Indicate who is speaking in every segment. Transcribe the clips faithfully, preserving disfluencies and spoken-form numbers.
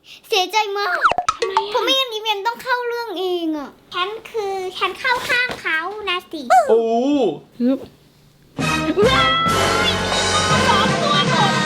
Speaker 1: เสียใจมากเพราะไม่งั้นยิ้มยังต้องเข้าเรื่องเองอ่ะฉันคือฉันเข้าข้างเขานะสิ
Speaker 2: โอ้
Speaker 1: ฮึบสองตัวหมด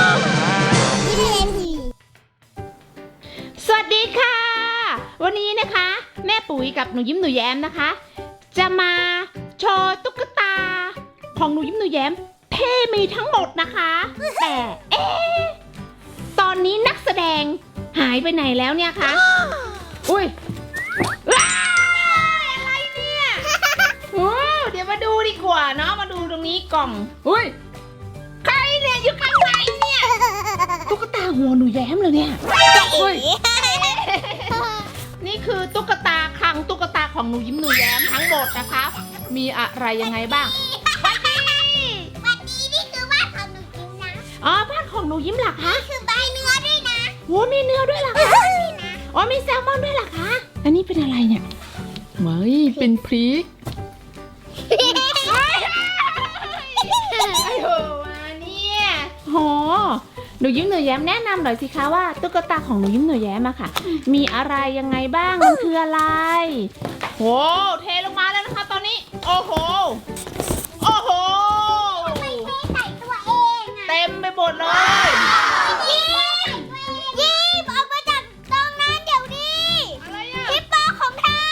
Speaker 3: สวัสดีค่ะวันนี้นะคะแม่ปุ๋ยกับหนูยิ้มหนูแย้มนะคะจะมาโชว์ตุ๊กตาของหนูยิ้มหนูแย้มที่มีทั้งหมดนะคะแต่เอ๊ะตอนนี้นักแสดงหายไปไหนแล้วเนี่ยคะอุ้ยว้ายอะไรเนี่ยโอ้เดี๋ยวมาดูดีกว่าเนาะมาดูตรงนี้กล่องอุ้ยใครเนี่ยอยู่ข้างในเนี่ยตุ๊กตาหัวหนูแย้มเลยเนี่ยอุ้ยนี่คือตุ๊กตาคลังตุ๊กตาของหนูยิ้มหนูแย้มทั้งหมดนะคะมีอะไรยังไงบ้าง
Speaker 1: วันนี้วันนี้นี่คือบ้านของหนูยิ้มนะ
Speaker 3: อ๋อบ้านของหนูยิ้มเหรอคะ
Speaker 1: นี่คือใบเนื้อด้วยนะ
Speaker 3: โอ้มีเนื้อด้วยเหรอคะอ๋อมีแซลมอนด้วยเหรอคะอันนี้เป็นอะไรเนี่ยไม่เป็นพริกไอ้โหมาเนี่ยโหหนูยิ้มหนูแย้มแนะนำหน่อยสิคะว่าตุ๊กตาของหนูยิ้มหนูแย้มอะค่ะมีอะไรยังไงบ้างมันคืออะไรโหเทลงมาแล้วนะคะตอนนี้โอ้โหโอ้โห
Speaker 1: ไม่เทใส่ตัวเองอะ
Speaker 3: เต็มไปหมดเลย
Speaker 1: ยิ้มยิ้มออกมาจากตรงนั้นเดี๋ยวนี้
Speaker 3: อะไรอะ
Speaker 1: ฮิปโปของเธอ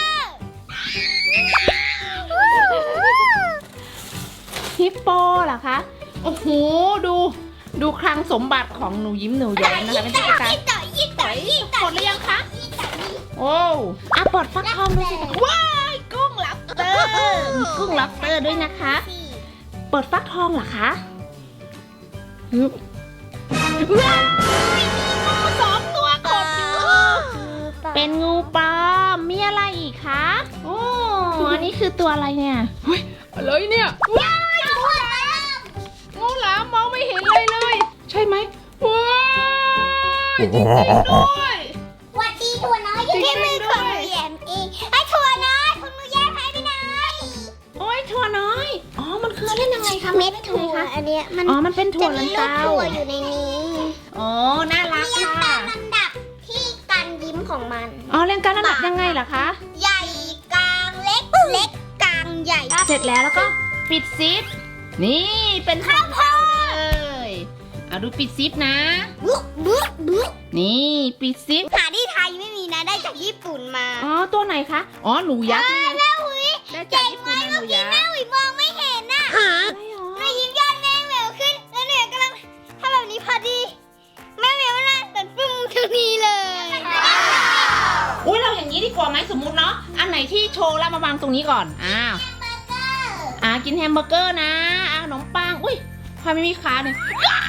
Speaker 3: ฮิปโปเหรอคะโอ้โหดูดูคลังสมบัติของหนูยิ้มหนูแย้มนะคะเป็นตุ๊กตา
Speaker 1: ยิ่งต่อยิ่งต่อยิ่งต่อ
Speaker 3: หมดหรือยังคะโอ้อ่ะปลดฟักทองดูสิว้ายกุ้งลับเตอร์มีกุ้งลับเตอร์ด้วยนะคะเปิดฟักทองเหรอคะฮึบว้าวสองตัวกดอยู่เป็นงูปลอมมีอะไรอีกคะโอ้อันนี้คือตัวอะไรเนี่ยเฮ้ยอะไรเนี่ยว้ายงูหลามงูหลามมองไม่เห็นเลยเลยใช่ไหมว้ายจริงๆด้วย
Speaker 1: วัดดีถั่วน้อยอยู่ที่มือของหนูแย้มเองไอ้ถั่วน้อยคุณหนูแย้มหายไปไหน
Speaker 3: โอ้ยถั่วน้อยอ๋อมันคือเล่นยังไงคะ
Speaker 1: เม็ดถั่วอันเนี้ยมัน
Speaker 3: อ๋อมันเป็นถั่วลันเตา
Speaker 1: ถั่วอยู่ในนี้
Speaker 3: อ๋อน่ารักค่ะ
Speaker 1: ตามลำดับที่การยิ้มของมัน
Speaker 3: อ๋อเรียงการระดับยังไงล่ะคะ
Speaker 1: ใหญ่กลางเล็กเล็กกลางใหญ่
Speaker 3: เสร็จแล้วแล้วก็ปิดซิปนี่เป็นข้าวโพดเลยเอาดูปิดซิปนะ
Speaker 1: บุ๊กบุ๊กบุ๊ก
Speaker 3: นี่ปิดซิป
Speaker 1: หาที่ไทยไม่มีนะได้จากญี่ปุ่นมา
Speaker 3: อ๋อตัวไหนคะอ๋อหนูยักษ์นี่
Speaker 1: แม่หุย
Speaker 3: ได้จากญี่ปุ่นหนูยักษ์
Speaker 1: แม่หุยมองไม่เห็นน่ะหนูยิ้มยอดแม่เหววขึ้นแล้วหนูกำลังทำแบบนี้พอดีแม่เหววน่าตัดปุ้งตรงนี้เลย
Speaker 3: อุ้ยเราอย่างนี้ดีกว่าไหมสมมุติเนาะอันไหนที่โชว์แล้วมาวางตรงนี้ก่อนอ้าวอ่ากินแฮมเบอร์เกอร์นะอ่าขนมปังอุ้ยทำไมไม่มีขาเนี่ย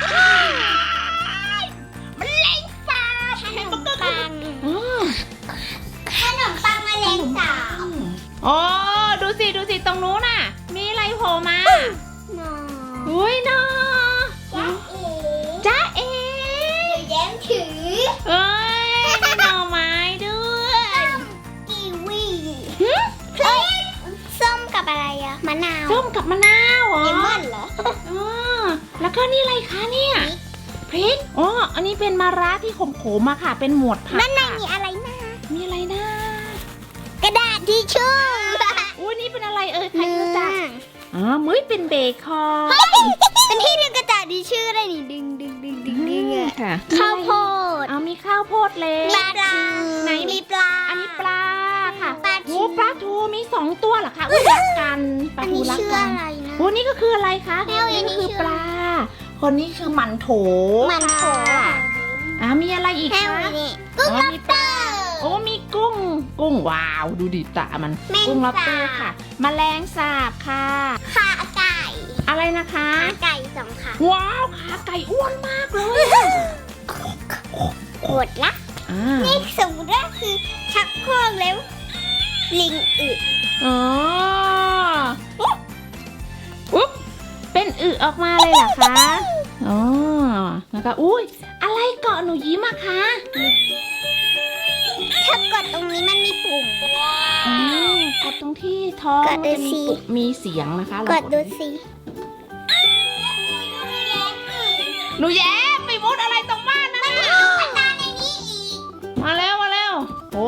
Speaker 3: มันเล็งสาบแฮมเบอร์เกอร์ปัง
Speaker 1: ขนมปังมะเร็งสาบ
Speaker 3: อ๋อดูสิดูสิตรงนู้นน่ะมีอะไรโผล่มาอุ้ยนอจ้าเอ๋
Speaker 1: แย้มถือ
Speaker 3: เอ้ยมีหน่อไม้ด้วย
Speaker 1: กีวีพริกส้มกับอะไรอะมะนาว
Speaker 3: ส้มกับมะนาวเหรอ
Speaker 1: เลมอนเหรอ
Speaker 3: อ๋อแล้วก็นี่อะไรคะเนี่ยพริกอ๋ออันนี้เป็นมะระที่ขมๆมาค่ะเป็นหมวดผัก
Speaker 1: ด้านในมีอะไรนะ
Speaker 3: มีอะไรนะ
Speaker 1: กระดาษทิชชู่
Speaker 3: อุ้ยนี่เป็นอะไรเอ่ยใครรู้จักอ๋อมื้อเป็นเบคอน
Speaker 1: เป็นที่ดึงกระดาษทิชชู่ได้นี่ดึงดึงดึงดึงดึงอ่ะ
Speaker 3: ค่ะ
Speaker 1: ข้าวโพด
Speaker 3: เอามีข้าวโพดเล็ก
Speaker 1: มีปลา
Speaker 3: ไหน
Speaker 1: มีปลา
Speaker 3: อันนี้ปลาค่ะ
Speaker 1: ปลาทู
Speaker 3: ปลาทูมีสองตัวเหรอคะอุ้ยรักกันปลาทูรักกันโอ้นี่ก็คืออะไรคะนี่ก็คือปลาคนนี้คือหมันโถ
Speaker 1: หมันโถ
Speaker 3: อ่ามีอะไรอีกคะ
Speaker 1: กุ้งล็อบสเตอร์
Speaker 3: โอ้มีกุ้งกุ้งว้าวดูดิตามันกุ้งล็อบสเตอร์ค่ะแมลงสาบค่ะ
Speaker 1: ขาไก่
Speaker 3: อะไรนะคะ
Speaker 1: ขาไก่สองขา
Speaker 3: ว้าวขาไก่อ้วนมากเลย
Speaker 1: หมดละนี่สมมติว่าคือชักโครกแล้วลิงอึ
Speaker 3: อ๋ออุ๊บเป็นอึออกมาเลยเหรอคะอ๋อแล้วก็อุ้ยอะไรเกาะหนูยิ้มอะคะ
Speaker 1: ถ้ากดตรงนี้มันมีปุ่ม
Speaker 3: อืมกดตรงที่ท้องมันจะมีมีเสียงนะคะ
Speaker 1: กดดูสิ
Speaker 3: หนูแย้มไปมุดอะไรตรงบ้านนะ
Speaker 1: มันมีตุ๊กตาในนี้อีก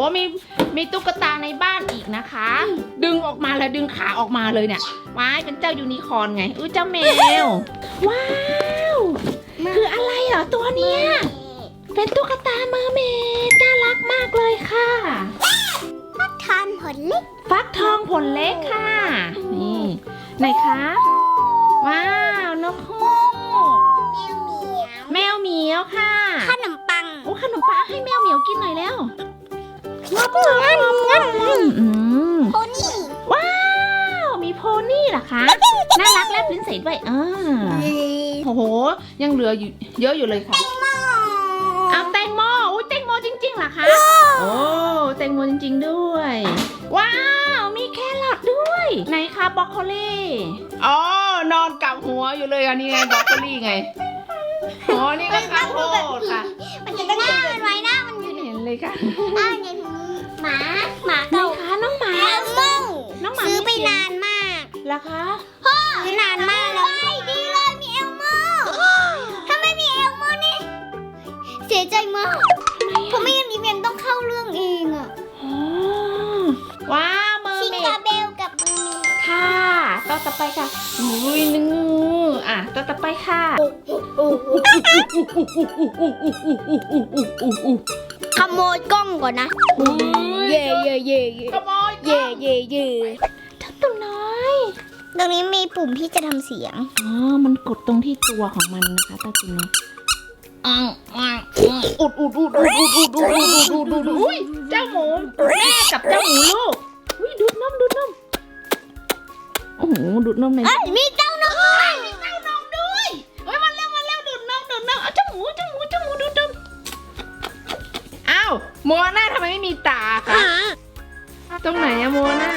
Speaker 3: มีมีตุ๊กตาในบ้านอีกนะคะ ดึงออกมาแล้วดึงขาออกมาเลยเนี่ยว้ายเป็นเจ้ายูนิคอร์นไงอุ้ยเจ้าแมวว้าวคืออะไรเหรอตัวเนี้ยเป็นตุ๊กตาเมอร์เมดน่ารักมากเลยค่ะ
Speaker 1: ทานผลเล็ก
Speaker 3: ฟักทองผลเล็กค่ะ นี่ไหนคะ ว้าวนกฮูกแมวเหมียวค่ะ
Speaker 1: ขนมปัง
Speaker 3: โอ้ขนมปังให้แมวเหมียวกินหน่อยแล้ว
Speaker 1: งับงับงับ
Speaker 3: อืม
Speaker 1: โพนี่
Speaker 3: ว้าว มีโพนี่เหรอคะ น่ารักแลบลิ้นใสด้วยอ่าโอ้โห ยังเหลืออยู่เยอะอยู่เลยค่ะเอาแตงโมอุ้ยแตงโมจริงๆเหรอคะ โอ้แตงโมจริงๆด้วย ว้าว มีแครอทด้วย ไหนคะบรอกโคลีอ๋อนอนกับหัวอยู่เลยอันนี้ไงบรอกโคลีไงอ๋อนี่ก็ข้าวโพดค่ะ
Speaker 1: มันจะต้องหน้ามันไว้หน้ามันอยู่
Speaker 3: เห็นเลยค่ะ
Speaker 1: อ่าเนี่ยหมาหมา
Speaker 3: ไหน
Speaker 1: เก่า
Speaker 3: คะน้องหมา
Speaker 1: แอลโม่
Speaker 3: น้องหมา
Speaker 1: ซื้อไป
Speaker 3: มีเสียง
Speaker 1: นานมาก
Speaker 3: เหรอคะ
Speaker 1: ซื้อนานมากแล้วดีเลยมีเอลโม่ถ้าไม่มีเอลโม่นี่เสียใจมากเพราะไม่งั้นนี่เมนต้องเข้าเรื่องเองอะ
Speaker 3: อ๋อว้าวเมอ
Speaker 1: ชิ
Speaker 3: ร์เม
Speaker 1: คา
Speaker 3: ด
Speaker 1: เบลกับมือ
Speaker 3: ค่ะต่อต่อไปค่ะอุ้ยนึงอ่ะต่อต่อไปค่ะ
Speaker 1: ขโมยกล้องก่อนนะ เย่เย่เย่เย่
Speaker 3: ขโมย
Speaker 1: เย่เย่เย่
Speaker 3: เจ้าตัวน้อย
Speaker 1: ตรงนี้มีปุ่มที่จะทำเสียง
Speaker 3: อ๋อมันกดตรงที่ตัวของมันนะคะเจ้าตัวน้อยอ้าวอ้าวอุดอุดอุดอุดอุดอุดอุดอุดอุดอุดอุดอุ้ยเจ้าหมูแม่กับเจ้าหมูลูกอุ้ยดูดนมดูดนมโอ้โหดูดนมใน
Speaker 1: เอ้ยมีเจ้านก
Speaker 3: มีเต้านมด้วยเฮ้ยมาเร็วมาเร็วดูดนมดูดนมเอาเจ้าหมูเจ้าหมูเจ้าหมูดูดนมอ้าวโมนาทำไมไม่มีตาคะตรงไหนอะโมนา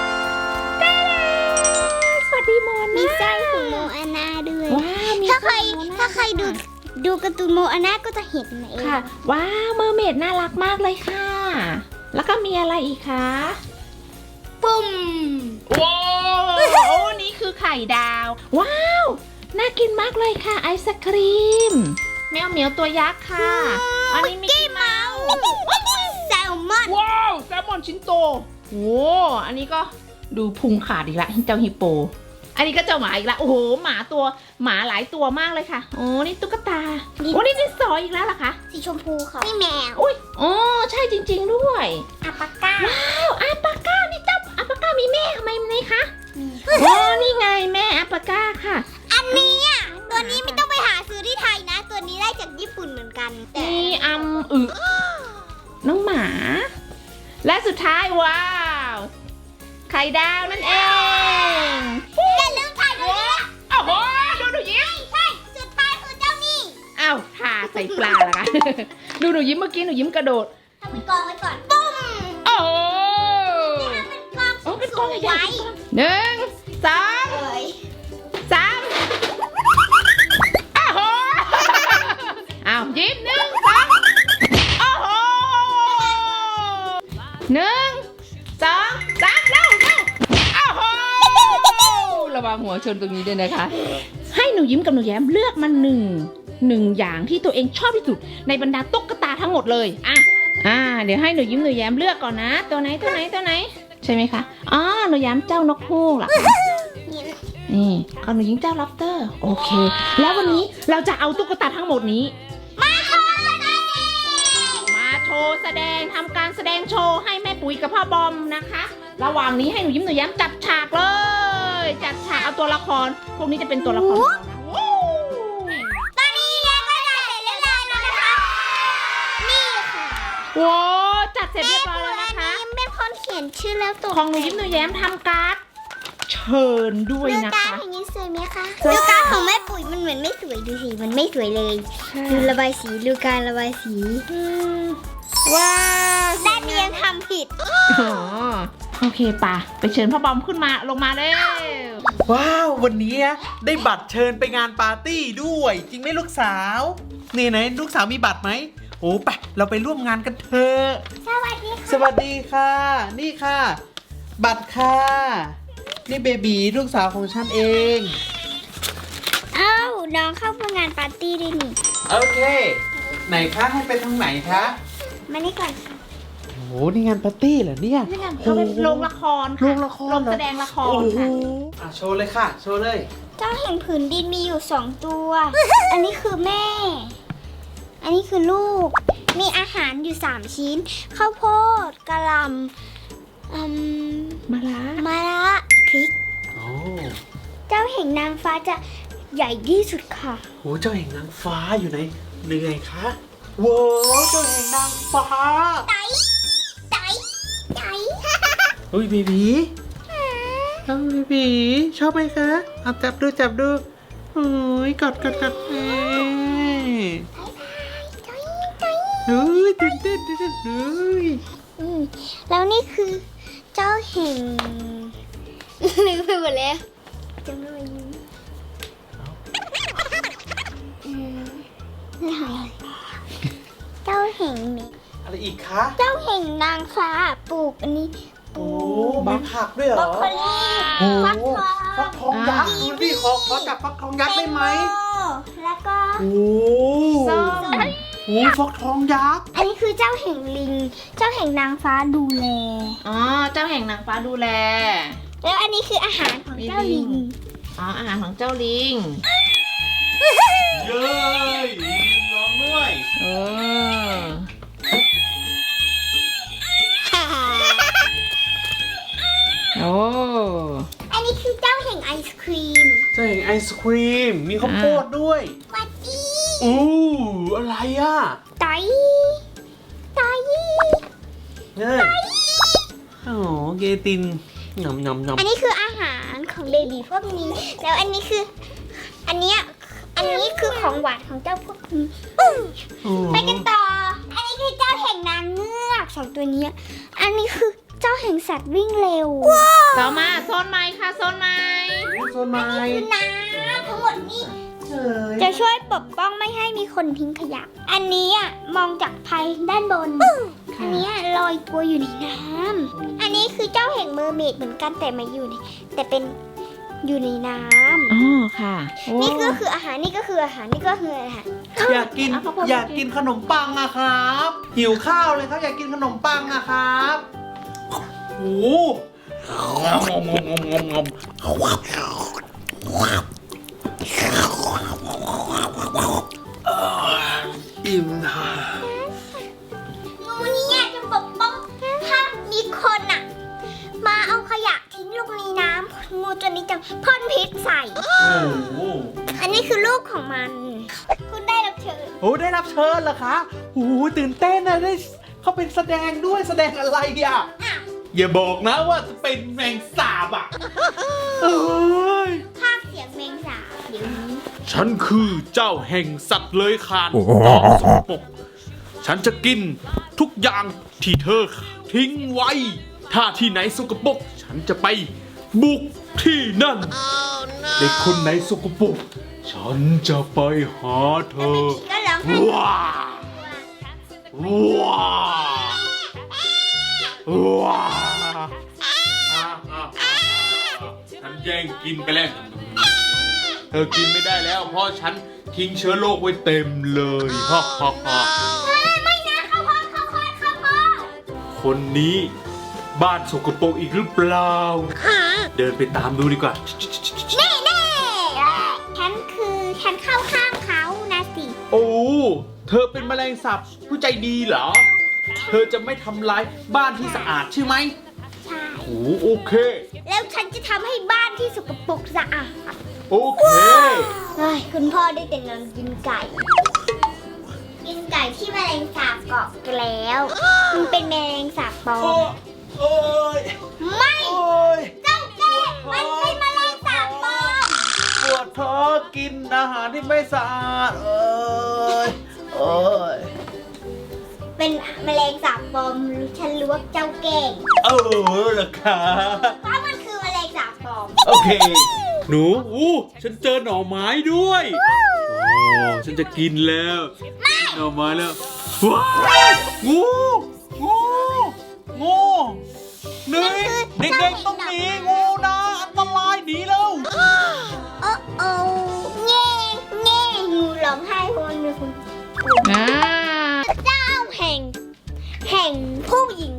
Speaker 3: สวัสดีโมนา
Speaker 1: มีไส้ของโมอาน่าด้วย
Speaker 3: ว้าวมี
Speaker 1: ถ้าใคร
Speaker 3: โมนา
Speaker 1: ถ้าใครดูดูการ์ตูนโมอาน่าก็จะเห็นเอง
Speaker 3: ค่ะว้าวเมอร์เมดน่ารักมากเลยค่ะ แล้วก็มีอะไรอีกคะ
Speaker 1: ปุ่ม
Speaker 3: ว้าวโอ้นี่คือไข่ดาว ว้าวน่ากินมากเลยค่ะไอศครีมแมวเหมียวตัวยักษ์ค่ะอันนี้มิกกี้เมาส์
Speaker 1: แซลมอน
Speaker 3: ว้าวแซลมอนชิ้นโตโอ้อันนี้ก็ดูพุงขาดอีกละเจ้าฮิปโป อันนี้ก็เจ้าหมาอีกละโอ้โหหมาตัวหมาหลายตัวมากเลยค่ะโอ้นี่ตุ๊กตาโอ้นี่ดินสออีกแล้วเหรอคะ
Speaker 1: สีชมพูค่ะนี่แมว
Speaker 3: อุ้ยอ๋อใช่จริง ๆด้วย
Speaker 1: อัปปาก้า
Speaker 3: ว้าวอาปาก้านี่เจ้าอาปาก้ามีแม่ทำไมไหมคะอ๋อนี่ไงแม่อาปาก้าค่ะ
Speaker 1: อันนี้อ่ะตัวนี้ไม่ต้องไปหาซื้อที่ไทยนะ ตัวนี้ได้จากญี่ปุ่นเหมือนกันแต่
Speaker 3: นี่อัมอึน้องหมา และสุดท้ายว้าว ไข่ดาวนั่นเอง
Speaker 1: อย่าลืมถ่ายตรงนี้นะ
Speaker 3: โอ้โหดูหนูยิ้ม
Speaker 1: ใช่สุดท้ายคือเจ้านี่
Speaker 3: อ้าวทาใส่ปลาละคะ ดูหนูยิ้มเมื่อกี้หนูยิ้มกระโดด
Speaker 1: ทำเป็นกองไว้ก่อนปุ้ม
Speaker 3: โอ้โห
Speaker 1: ทำเป็นกอง
Speaker 3: โอ้เป็น
Speaker 1: ส
Speaker 3: กอง
Speaker 1: ว
Speaker 3: ใหญ่
Speaker 1: ย
Speaker 3: หนึ่งสอง
Speaker 1: เอ้ย
Speaker 3: สามโอ้โหอ้าวยิ้มหนึ่งสองโอ้โหหนึ่งสองสามเร็วเร็วโอ้โหระวังหัวชนตรงนี้ด้วยนะคะ ให้หนูยิ้มกับหนูแย้มเลือกมาหนึ่งหนึ่งอย่างที่ตัวเองชอบที่สุดในบรรดาตุ๊กตาทั้งหมดเลยอ่ะอ่าเดี๋ยวให้หนูยิ้มหนูแย้มเลือกก่อนนะ ตัวไหนตัวไหนตัวไหนใช่ไหมคะอ๋อหนูแย้มเจ้านกฮูกเหรอคะนี่เอาหนูยิ้มเจ้าล็อบสเตอร์โอเค แล้ววันนี้เราจะเอาตุ๊กตาทั้งหมดนี้
Speaker 1: มาโชว์แสดง
Speaker 3: มาโชว์แสดงทำการแสดงโชว์ให้แม่ปุ๋ยกับพ่อบอมนะคะ ระหว่างนี้ให้หนูยิ้มหนูแย้มจัดฉากเลย จัดฉากเอาตัวละคร พวกนี้จะเป็นตัวละครของเรานะวู้
Speaker 1: ตอนนี้เรียนก็จะเสร็จเรียบร้อยแล้วนะคะ นี่ค่ะ
Speaker 3: โว้จัดเสร็จเรียบร้อยแล้วนะคะ
Speaker 1: ยิ้มเป็นคนเขียนชื่อแล้วตัว
Speaker 3: ของหนูยิ้มหนูแย้มทำการ์ดเชิญด้วย
Speaker 1: ดู
Speaker 3: นะ
Speaker 1: การ
Speaker 3: คะ
Speaker 1: อย่างนี้สวยไหมคะ
Speaker 3: สวย
Speaker 1: ดูการของแม่ปุ๋ยมันเหมือนไม่สวยดูสิมันไม่สวยเลยดูระบายสีดูการระบายสี
Speaker 3: อืมว้าว
Speaker 1: ด้านนี้ยังทำผิด
Speaker 3: อ๋อโอเคป่ะไปเชิญพ่อบอมขึ้นมาลงมาเร็ว
Speaker 2: ว้าววันนี้นะได้บัตรเชิญไปงานปาร์ตี้ด้วย จริงไหมลูกสาวนี่ไหนลูกสาวมีบัตรไหมโอ้ไปเราไปร่วมงานกันเถอะ
Speaker 1: สวัสดีค่ะ
Speaker 2: สวัสดีค่ะ นี่ค่ะ บัตรค่ะนี่เบบีลูกสาวของฉันเอง
Speaker 1: เอ้าน้องเข้าร่วมงานปาร์ตี้ด้วยนี่
Speaker 2: โอเค ไหนคะให้ไปทางไหนคะ
Speaker 1: มานี่ก่อน
Speaker 2: โอ้โหนี่งานปาร์ตี้เหรอเนี่ย
Speaker 3: นี่ไงเขาเป็นโรงละครค่ะ
Speaker 2: โรงละคร
Speaker 3: โรง
Speaker 2: เหรอ
Speaker 3: แสดงละคร
Speaker 2: โอ้โห
Speaker 3: ค่ะ
Speaker 2: อ่ะโชว์เลยค่ะ โชว์เลย
Speaker 1: เจ้าแห่งผืนดินมีอยู่สองตัว อันนี้คือแม่ อันนี้คือลูก มีอาหารอยู่สามชิ้น ข้าวโพดกะหล่ำอืม
Speaker 3: มาละ
Speaker 1: มะระพริก
Speaker 2: โอ้
Speaker 1: เจ้าแห่งนางฟ้าจะใหญ่ที่สุดค่ะ
Speaker 2: โหเจ้าแห่งนางฟ้าอยู่ไหนเหนื่อยคะว้าวเจ้าแห่งนางฟ้า
Speaker 1: ไตไตไต
Speaker 2: เฮ้ยเบบีเฮ้ยเบบีชอบไหมคะเอาจับดูจับดูโอ้ยกอดกอดกอดเอ้ยเฮ้ยตื่นเต้นตื่นเต้นเฮ้ย
Speaker 1: อืมแล้วนี่คือเจ้าแห่ง ลืมไปหมดแล้วจำไม่ได้อืมนี่อะไรเจ้าแห่งนี้
Speaker 2: อะไรอีกคะ
Speaker 1: เจ้าแห่งนางฟ้าปลูกอันนี้ป
Speaker 2: โอ้
Speaker 1: ลูก
Speaker 2: มีผักด้วยเหร
Speaker 1: บรอ
Speaker 2: อก
Speaker 1: โคลี
Speaker 2: โอ้
Speaker 1: ฟักทอง
Speaker 2: ฟักทองยักษ์ดูดิขอขอจับฟักทองยักษ์ได้ไหม
Speaker 1: แตงโแล้วก็
Speaker 2: โอ้
Speaker 3: ส้ม
Speaker 2: โหฟักทองยักษ์
Speaker 1: อันนี้คือเจ้าแห่งลิง เจ้าแห่งนางฟ้าดูแล
Speaker 3: อ๋อเจ้าแห่งนางฟ้าดูแล
Speaker 1: แล้วอันนี้คืออาหารของเจ้าลิง
Speaker 3: อ๋ออาหารของเจ้าลิง
Speaker 2: เย้ยลิงร้องด้วย
Speaker 3: เออโอ้
Speaker 1: อันนี้คือเจ้าแห่งไอศครีม
Speaker 2: เจ้าแห่งไอศครีมมีข้าวโพดด้วย
Speaker 1: วัดดี
Speaker 2: อู้อะไรอ่ะ
Speaker 1: ไตไต
Speaker 2: เนี่ยโอ้โหเกตินยำยำยำ
Speaker 1: อันนี้คืออาหารของเบบีพวกนี้ แล้วอันนี้คือ อันเนี้ย อันนี้คือของหวานของเจ้าพวกนี้
Speaker 2: โอ้
Speaker 1: ไปกันต่อ อันนี้คือเจ้าแห่งนางเงือกสองตัวเนี้ย อันนี้คือเจ้าแห่งสัตว์วิ่งเร็ว
Speaker 3: ต่อมาโซนไม้ค่ะโซนไม้
Speaker 2: โซนไม้
Speaker 1: คือน้ำทั้งหมดนี้
Speaker 2: เฉย
Speaker 1: จะช่วยปกป้องไม่ให้มีคนทิ้งขยะ อันนี้อ่ะมองจากภายด้านบน อันนี้ลอยตัวอยู่ในน้ำ อันนี้คือเจ้าแห่งเมอร์เมดเหมือนกันแต่มาอยู่ในแต่เป็นอยู่ในน้ำ
Speaker 3: อ๋อค่ะโอ้
Speaker 1: นี่ก็คืออาหารนี่ก็คืออาหารนี่ก็คืออาหาร
Speaker 2: อยากกินอยากกินขนมปังอะครับ หิวข้าวเลยครับอยากกินขนมปังอะครับโอ้โหงมงมงมงมอิ่มนะ
Speaker 1: งูเนี่ยจะปกป้องถ้ามีคนอ่ะ มาเอาขยะทิ้งลงในน้ำงูตัวนี้จะพ่นพิษใส่
Speaker 2: โอ้โห
Speaker 1: อันนี้คือลูกของมัน คุณได้รับเชิญ
Speaker 2: โอ้ได้รับเชิญเหรอคะโอ้โหตื่นเต้นนะได้เขาเป็นแสดงด้วยแสดงอะไรอ่ะ
Speaker 1: อ้าว
Speaker 2: อย่าบอกนะว่าจะเป็นแมงสาบอ่ะเอ้ย
Speaker 1: ภาคเสียงแมงสาบเดี๋ยวนี้
Speaker 2: ฉันคือเจ้าแห่งสัตว์เลื้อยคลานสกปรกฉันจะกินทุกอย่างที่เธอทิ้งไว้ ถ้าที่ไหนสกปรกฉันจะไปบุกที่นั่น เด็กคนไหนสกปรกฉันจะไปหาเธ
Speaker 1: แล้ว
Speaker 2: อ
Speaker 1: เบบีก็ร้องไห้
Speaker 2: ว้าว้าว้าฉันแย่งกินไปแล้ว เธอกินไม่ได้แล้ว เพราะฉันทิ้งเชื้อโรคไว้เต็มเลยฮ่าฮ่าฮ่า
Speaker 1: ไม่นะข้าวโพดข้าวโพดข้าวโพด
Speaker 2: คนนี้บ้านสกปรกอีกหรือเปล่า เดินไปตามดูดีกว่า
Speaker 1: แน่แน่ฉันคือฉันเข้าข้างเขานะสิ
Speaker 2: โอ้ เธอเป็นแมลงสาบผู้ใจดีเหรอ เธอจะไม่ทำร้ายบ้านที่สะอาดใช่ไหม
Speaker 1: ใช่
Speaker 2: โอ้โอเค
Speaker 1: แล้วฉันจะทำให้บ้านที่สกปรกสะอาด
Speaker 2: โอเค
Speaker 1: เฮ้ยคุณพ่อได้แต่นอนกินไก่ กินไก่ที่แมลงสาบเกาะแล้ว มันเป็นแมลงสาบปลอ
Speaker 2: โอ้
Speaker 1: ม
Speaker 2: โอ้ย
Speaker 1: ไม่
Speaker 2: โอ้ย
Speaker 1: เจ้าแก่มันเป็นแมลงสาบปลอม
Speaker 2: ปวดท้องกินอาหารที่ไม่สะอาดเอ้ยโอ้ย
Speaker 1: เป็นแมลงสาบปลอมฉันรู้ว่าเจ้าแก่
Speaker 2: เออเหรอคะ
Speaker 1: เพราะมันคือแมลงสาบปลอม
Speaker 2: โอเค หนูอู้ฉันเจอหน่อไม้ด้วย โอ้ฉันจะกินแล้วหน่อไม้แล้ว ว้าวงูงูงูหนีเด็กๆต้องหนีงูนะอันตรายหนีแล้ว
Speaker 1: โอ้โอ้แง่แง่งูร้องไห้เพราะมันมีคน
Speaker 3: อ่า
Speaker 1: เจ้าแห่ง แห่งผู้หญิงผ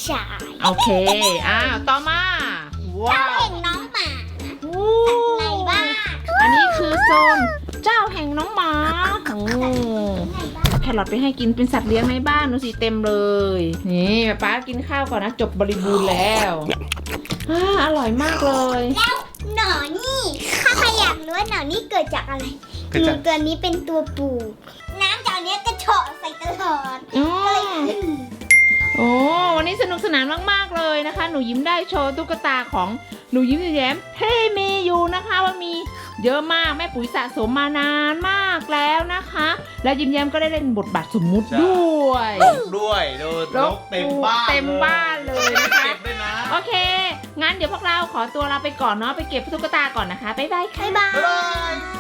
Speaker 1: ชาย
Speaker 3: โอเค อ้าว ต่อมา ว้า
Speaker 1: เจ้าว แห่งน้องหมา
Speaker 3: โอ้
Speaker 1: ในบ้าน
Speaker 3: อันนี้คือโซนเจ้าแห่งน้องหมาโอ้แครอทไปให้กินเป็นสัตว์เลี้ยงในบ้านดูสิเต็มเลย นี่ป๊ากินข้าวก่อนนะ จบบริบูรณ์แล้วอ่าอร่อยมากเลย
Speaker 1: แล้วหนอนนี่ข้าใครอยากรู้ว่าหนอนนี่เกิดจากอะไร
Speaker 2: เกิดจาก
Speaker 1: งูตัวนี้เป็นตัวปูน้ำจากเนี้ยกระเฉาะใส่ตลอด
Speaker 3: อ๋อ
Speaker 1: ก็เลยขึ้น
Speaker 3: โอ้วันนี้สนุกสนานมากๆเลยนะคะ หนูยิ้มได้โชว์ตุ๊กตาของหนูยิ้มแย้มเฮ้มีอยู่นะคะว่ามีเยอะมากแม่ปุ๋ยสะสมมานานมากแล้วนะคะ แล้วยิ้มแย้มก็ได้เล่นบทบาทสมมุติด้วย
Speaker 2: ด้วยดูนกเต็มบ้าน
Speaker 3: เต็มบ้านเลยนะคะ
Speaker 2: เก็บด้วยนะ
Speaker 3: โอเค งั้นเดี๋ยวพวกเราขอตัวลาไปก่อนเนาะไปเก็บตุ๊กตาก่อนนะคะบ๊ายบายค่ะ
Speaker 1: บ๊ายบาย
Speaker 2: บ๊ายบาย